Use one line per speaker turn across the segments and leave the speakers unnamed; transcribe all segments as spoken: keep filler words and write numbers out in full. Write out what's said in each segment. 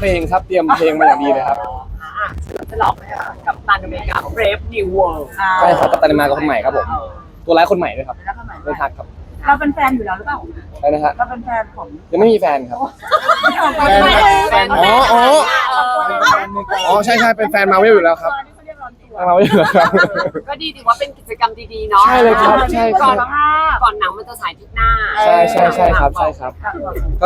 เพลงครับเตรียมเพลงมาอย่างดีเลยครับ
จะหลอกไหมคะกับตันอเมริกา Brave New World
ใช่ครับกัปตันอเมริกาคนใหม่ครับผมตัวร้ายคนใหม่ด้วยครับ
แล้วก็หมาย
เล่นทักครับ
เราเป็นแฟนอยู่แล้วหรือเปล่า
อะไรนะฮะ
เราเป็นแฟนของ
ยังไม่มีแฟนครับ
แฟน
อ๋ออ๋ออ๋อใช่ใช่เป็นแฟนมาเวลอยู่แล้วครับมาเวลอยู่แล้วครับ
ก็ดีถือว่าเป็นกิจกรรมดีๆเนาะ
ใช่เลยครับใช่ค
ก่
รั
อบ นก่อนหนังมันจะฉายอาทิตย์หน้า
ใช่ใช่ใช่ครับใช่ครับก็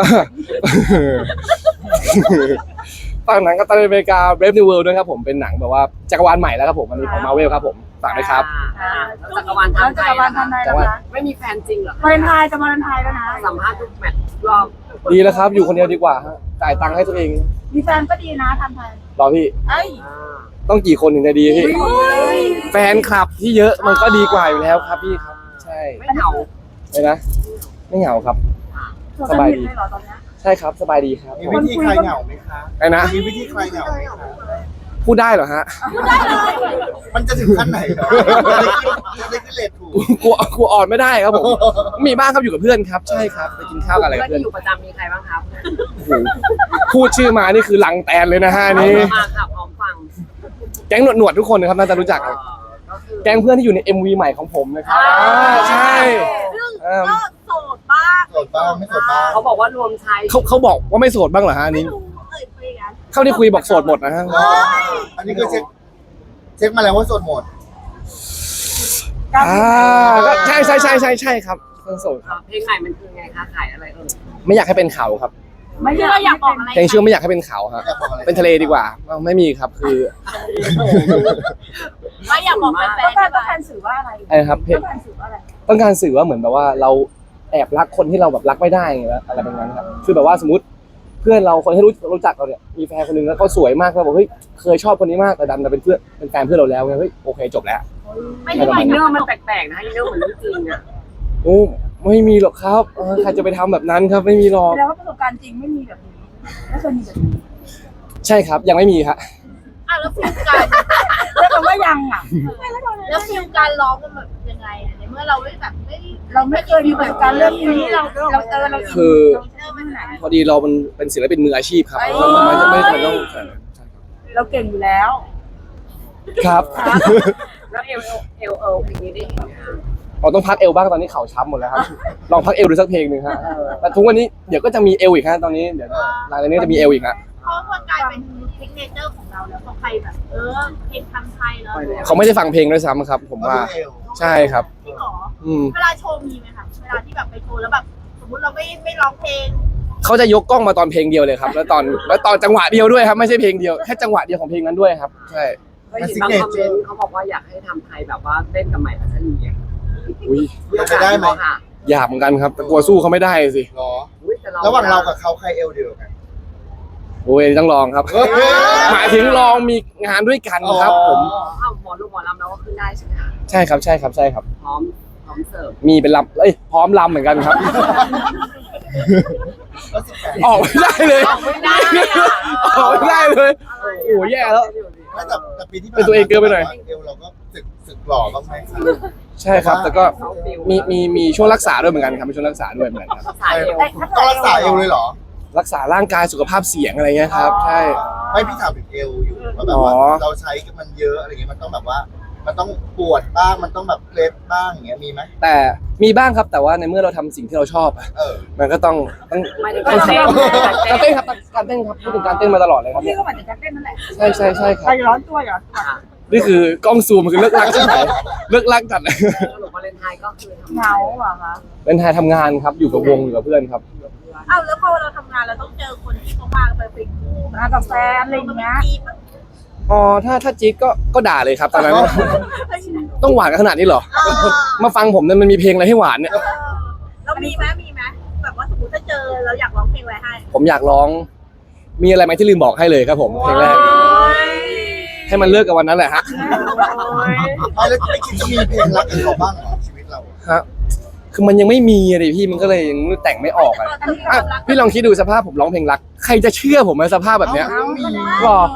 ตอนหนังกัปตันอเมริกา Brave New World ด้วยครับผมเป็นหนังแบบว่าจักรวาลใหม่แล้วครับผมอันนี้ของมาเวลครับผมฝากด้วยครับ
อ่าแล้วจักรวาล
แล้ว
ทำไท
จัก
ย
รวาลทำไทยแล้วนะ
ไม่มีแฟนจริงเหรอ
วาเลนไทน์จะวาเลนไทน์แล้วนะ
สัมภาษณ์ทุกแมตช์ทุกรอบ
ดีแล้วครับอยู่คนเดียวดีกว่าฮะจ่ายตังค์ให้ตัวเอง
มีแฟนก็ดีนะทำไทย
รอพี่
เอ้ย
อ่า
ต้องกี่คนถึงจะดีพี่
เฮ้ย
แฟนคลับที่เยอะมันก็ดีกว่าอยู่แล้วครับพี่ครับใช่
ไม่เหงา
เลยนะไม่เหงาครับ
สบายดีเลยเหรอตอนนี้
ใช่ครับสบายดีครับ
มีวิธีคลายเหงาไหมคะ
ไอ้นะ
มีวิธีคลายเหงาไหมคะ
พูดได้เหรอฮะ
มันจะถึงขั้นไหนครับจะได้ขึ้นจะได้ขึ้นเลทถูก
กลัวกลัวอ่อนไม่ได้ครับผมมีบ้างครับอยู่กับเพื่อนครับใช่ครับไปกินข้าวกันอะไรกับ
เพื่อน
เพื่อน
ที่อยู่ประจำมีใครบ้างครับ
โอ้โหพูดชื่อมานี่คือลังแตนเลยนะฮะนี่
มาค่ะพร้อมฟัง
แก๊งหนวดหนวดๆทุกคนนะครับน่าจะรู้จักครับ
ก็คือ
แก๊งเพื่อนที่อยู่ใน เอ็ม วี ใหม่ของผมนะครับอ่าใช่อ่า
ก็โสดบ้าง
โสดบ้างไม่โสดบ้าง
เขาบอกว่ารวมชาย
เขาเขาบอกว่าไม่โสดบ้างเหรอฮะอันนี้
เอ่ยคุยกัน
เข้าที่คุยบอกโสดหมดนะฮะ
อ๋ออันนี้ก็เช็คเช็คมาแล้วว่าโสดหมด
อ่าก็ใช่ใช่ใช่ใช่ใช่ครับเรื่องโสดครับ
เพลงใหม่มันคือไงคะขายอะไรเออ
ไม่อยากให้เป็นเขาครับ
ไม่ใช่เราอยากบอกอะไร
เพลงชื่อไม่อยากให้เป็นเขาฮะ
อยากบอกอะไร
เป็นทะเลดีกว่าอ้าวไม่มีครับคือ
ไม่อยากบอกแฟนต้องการต้องการสื่อว่าอะไร
อะไรนะครับเพล
ต้อง งการสื่อว่าอะไร
ต้องการสื่อว่าเหมือนแบบว่าเราแอบรักคนที่เราแบบรักไม่ได้ไงวะอะไรแบบนั้นครับคือแบบว่าสมมติเพื่อนเราคนที่รู้รู้จักเราเนี่ยมีแฟนคนหนึงแล้วเขาสวยมากเราบอกเฮ้ยเคยชอบคนนี้มากแต่ดันมาเป็นเพื่อนเป็นแฟนเพื่อนเราแล้วไงเฮ้ยโอเคจบแล้ว
ไม่ใช่อินเนอร์มันแปลกๆนะอินเนอร์เหมือนเรื่องจริงอะ
โอ้ไม่มีหรอกครับเออใครจะไปทำแบบนั้นครับไม่มีหรอก
แสดงว่าประสบการณ์จริงไม่มีแบบนี้ไม่เคยมีแบบนี้
ใช่ครับยังไม่มีครับ
อ่ะแล้วฟิลการ
แล้วคำว่ายังอ่ะ
แล้วฟิลการร้องมันแบบยังไงอ่ะในเมื่อเราไม่แบบไม่
เราไม่เคยมีประสบการณ์เรื่องนี้เราเราเจอเรา
คือ
เราเจอมันไหน
พอดีเรามันเป็นศิลปินมืออาชีพครับเราไม่ไม่ไม่จำเป็นต้องใช่ครับ
เราเก่งอยู่แล้ว
ครับ
แล้วเอลเอลเอลเพลงนี้ได้เห็นไหมคะ
เราต้องพักเอวบ้างตอนนี้เข่าช้ำหมดแล้วครับลองพักเอวดูสักเพลงหนึ่งฮะแต่ทุกวันนี้เดี๋ยวก็จะมีเอวอีกฮะตอนนี้เดี๋ยวหลังจากนี้จะมีเอวอีกฮะ
เพราะมันกลายเป็นซิกเนเจอร์ของเราแล้วพอใครแบบ เออเพลงทำไทยแล้ว
เขาไม่ได้ฟังเพลงด้วยซ้ำครับ ผมว่าใช่ครับ
จริงเหรอ
อืม
เวลาโชว์มีไหมคะเวลาที่แบบไปโชว์แล้วแบบสมมติเราไม่ไม่ร้องเพลง
เขาจะยกกล้องมาตอนเพลงเดียวเลยครับ แล้วตอนแล้วตอนจังหวะเดียวด้วยครับไม่ใช่เพลงเดียวแค่จังหวะเดียวของเพลงนั้นด้วยครับใช่
ก็เห็นบางคอมเมนต์เขาบอกว่าอยากให้ทำไทยแบบว่าเต้นกับใหม่พัชรีอ่ะ
อุ้ย
มันจะได้ไหม
ค่ะ
อยากเหมือนกันครับแต่กลัวสู้เขาไม่ได้สิ
หรอ
อุ๊ยแต่
ระหว่างเรากับเขาใครเอลเดียวกัน
โอ้ยต้องลองครับ
เฮ้ย
หมายถึงลองมีงานด้วยกันครับ ผม
อ๋อเอาหมอลูกหมอลำเราก็ขึ้นได้ใช่ไหมคะ
ใช่ครับใช่ครับใช่ครับ
พร้อมพร้อมเสิร์ฟ
มีเป็นลำเอ้ยพร้อมลำเหมือนกันครับ
ก็สิบแปด
ออกไม่ได้เลย
ออกไม่ได้อะ
ออกไม่ได้เลย โอ้โหแย่แล้ว
ไม่แต่แต่ปีที่ผ่า
เป็นตัวเองเกินไปหน่อย
เอลเราก็สึกสึกหล่อบ้างไหมคะ
ใช่ครับแต่ก็มีมีมีช่วงรักษาด้วยเหมือนกันครับมีช่วงรักษาด้วยเหมือนกันครับ
สายเอว
ต้องรักษาเอลเลยเหรอ
รักษาร่างกายสุขภาพเสียงอะไรเงี้ยครับใช่
ไม่พี่ถามถึงเอลอยู่ว่าแบบว่า
อ๋อ
เราใช้มันเยอะอะไรเงี้ยมันต้องแบบว่า มันต้องปวดบ้างมันต้องแบบเคล็ดบ้างอย่างเงี้ยมีไหม
แต่มีบ้างครับแต่ว่าในเมื่อเราทำสิ่งที่เราชอบอะ
เออ
มันก็ต้องต้อง
หมายถึง
ต้อง
การเต้น
ทำการเต้นครับการเต้นครับพูดถึงการเต้นมาตลอดเลยครับ
พี่
เนี่ย
ก็เหมือนจะเต้นนั่นแหละ
ใช่ใช่ใช่ค
ใคร
รับ
ร้อนตัวเหรอ
นี่คือกล้องซูมมันคือเลิกลักใช่ไหมเลิกลักจัดเลย
สรุปวาเลนไทน์ก็คือทำ
เหงาเหรอคะ
เป็นไทยทำงานครับอยู่กับวงอยู่กับเพื่อนครับ
อ้าวแล้วพอเราทำงานเราต้องเจอคนที่เขามาไปเป็นคู่
มากับแฟนอะไรอย่างเงี้ย
ทีมอะ
อ๋อถ้าถ้าจิ๊กก็ก็ด่าเลยครับตอนนั้น ต้องหวานกันขนาดนี้เหรอ
เออ
มาฟังผมเนี่ยมันมีเพลงอะไรให้หวานเนี่ย
เออเรามีไหมมีไหมแบบว่าสมมติถ้าเจอเราอยากร้องเพลงอะไรให้
ผมอยากร้อง มีอะไรไหมที่ลืมบอกให้เลยครับผมเพลงแรกให้มันเลิกกับวันนั้นแหละฮะ
ไม่แล้วไม่คิดจะมีเพลงรักกับเขาบ้างเหรอชีวิตเรา
ฮะคือมันยังไม่มีอะดิพี่มันก็เลยยังแต่งไม่ออกอะอ่ะพี่ลองคิดดูสภาพผมร้องเพลงรักใครจะเชื่อผมในสภาพแบบเนี้ย
เอ้ามี
หรอ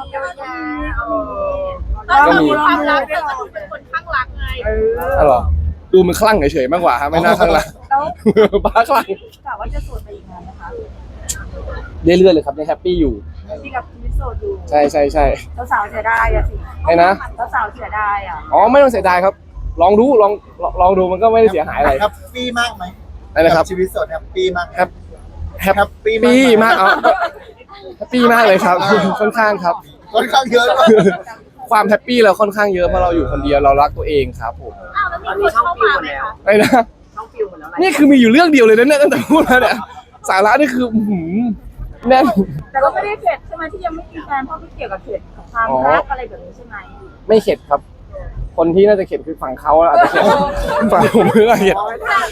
ก็มีความรักแต่ก็ดูเป็นคนข้างรักไง
อ๋อเหรอดูมันคลั่งเฉยๆมากกว่าฮะไม่น่าคลั่งรัก
แล้ว
บ้าคลั่ง
กะว่าจะโสดไปอีกนานนะคะ
เรื่อยๆเลยครับยังแฮปปี้อยู่
ที่กับชีวิตโสดอยู่
ใช่ใช่ใช่
สาวๆเสียดายอะสิ
ไอ้นะ
สาวๆเสียดายอะ
อ๋อไม่ต้องเสียดายครับ ลองดูลองลองลองดูมันก็ไม่ได้เสียหายอะไร
แฮปปี้มากไหม
อะไรนะครับ
กัชีวิตโสดแฮปปี้มากไหม
แฮปแฮป
แฮปปี้
ปี้
ไห
มากเอาแฮปปี้มากเลยครับ ค่อนข้างครับ
ค่อนข้างเยอะมาก
ความแฮปปี้เราค่อนข้างเยอะเพราะเราอยู่คนเดียวเรารักตัวเองครับผม
อ้าวแล้ว
ตอน
มี
นี้
คน
ช่อง
เข้า
ฟิว
มา
หมด
ไหม
แล้ว
คะ
ไอ้นะ
ช่องฟิวหมดแล้วอะไร
นี่คือมีอยู่เรื่องเดียวเลยนะเนี่ยตั้งแต่พูดมาเนี่ยสาระนี่คืออื้อหือแน่น
แต่ก็ไม่ได้เข็ดใช่ไหมที่ยังไม่มีแฟนเพราะไม่เกี่ยวกับเข็ดของความ
อ๋อ
รักอะไรแบบนี้ใช่ไหม
ไม่เข็ดครับ คนที่น่าจะเข็ดคือฝั่งเขาอาจจะเข็ดฝั่งผมไม่น่าเข็ด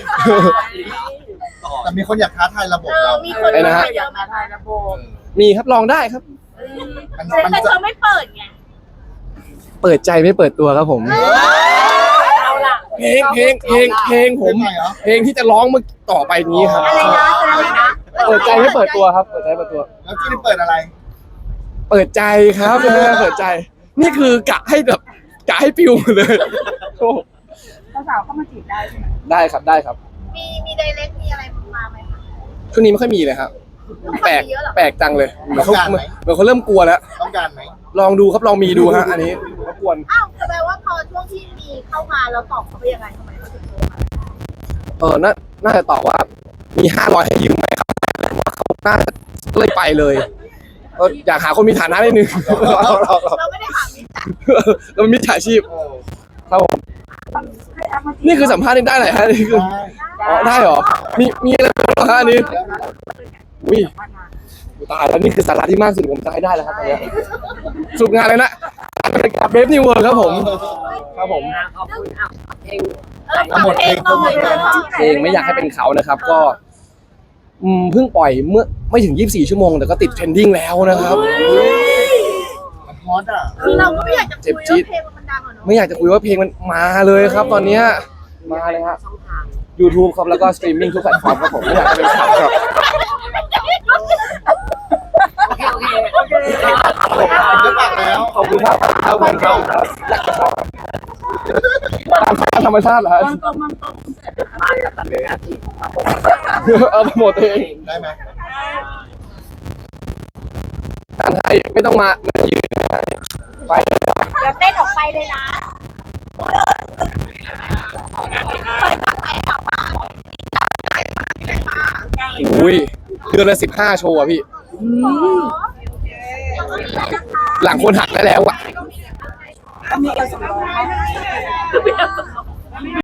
แต่มีคนอยากท้าทายระบบ
เออ
เรา
มีคน
ไอ้นะฮะ
มาเยอะมาก
ทายระบบ
มีครับลองได้ครับ
มัน
แต่
มัน
แต่
จะ
เธอไม่เปิดไง
เปิดใจไม่เปิดตัวครับผม
เอาล่ะ
เพลงเพลงเพลงเพลงผม
เป็นไงเหรอ
เพลงที่จะร้องเมื่อต่อไปนี้ครับ
อะไรนะอะไรนะ
เปิดใจไม่เปิดตัวครับ เปิดใจไม่เปิดตัว
แล้วที่นี่เปิดอะไร
เปิดใจครับเป็นเรื่องเปิดใจ นี่คือกะให้แบบกะให้ปิวหมดเลยโอ้
สาวๆเข้ามาจีบได้ใช่ไหม
ได้ครับได้ครับ
มีมีไดเรกมีอะไรมาไหมคะ
ช่วงนี้ไม่ค่อยมีเลยครับ แปลก
เยอะเหรอ
แปลกจังเลยเหมือนเขา
ต้องการไหม
เหมือนเขาเริ่มกลัวแล้ว
ต้องการไหม
ลองดูครับลองมีดูฮะอันนี้รบกวน
อ้าวแสดงว่าพอช่วงที่มีเข้ามาเราตอบเขาไปยังไงทำไมเขาถึงโทรมา
เออน่าน่าจะตอบว่ามีห้าร้อยให้ยืมไหมครับว่าเขาน่าจะเลยไปเลยเอออยากหาคนมีฐานะนิดนึง เราเราเรา
เราไม่ได้หามิจฉา
เราเป็นมิจฉาชีพ
เออ
ครับผม
ให้แอปมาจีบ
นี่คือสัมภาษณ์นี่ได้ไหนฮะนี่คือ
ได้
อ๋อได้เหรอมีมีอะไรบ้างเหรอฮะอันนี้อุ้ย ตายแล้วนี่คือสาระที่มากสุดผมจะให้ได้แล้วครับตอนเนี้ยสรุปงานเลยนะกับเบฟนิวเวิร์ครับผม ครับผม
อ่ะขอบคุณอ่ะเพลง
เออฟังเพลงหน่อยเลย
เพลงไม่อยากให้เป็นเขานะครับ ก็อืมเพิ่งปล่อยเมื่อไม่ถึงยี่สิบสี่ชั่วโมงแต่ก็ติดเทรนดิ้งแล้วนะครับ
มันฮอตอ่ะ
คือเราก็ไม่อยากจะคุยว่าเพลงมันดังเหรอเนาะ
ไม่อยากจะคุยว่าเพลงมันมาเลยครับ ตอนเนี้ยมาเลยฮะ
ช่องทาง
YouTube ครับแล้วก็สตรีมมิ่งทุกแพลตฟอร์มครับผมไม่อยากให้เป็นเขาครับ
โอเคโอเคโอเค
จะปากแล้ว
ขอบคุณครับขอบคุณครับตามธรรมชาติเหรอฮะ
มันตรงมันตรง
มากับตันเลยอาทิตย์
เอาโปรโมทตัวเอง
ได้ไหม
การให้ไม่ต้องมาไม่ต้องยืนไป
เดี๋ยวเต้นออกไปเลยนะ
อุ้ยเดือนละสิบห้าโชว์อะพี่ หลังคนหักได้แล้วอะ
มีเอลสำรองไหม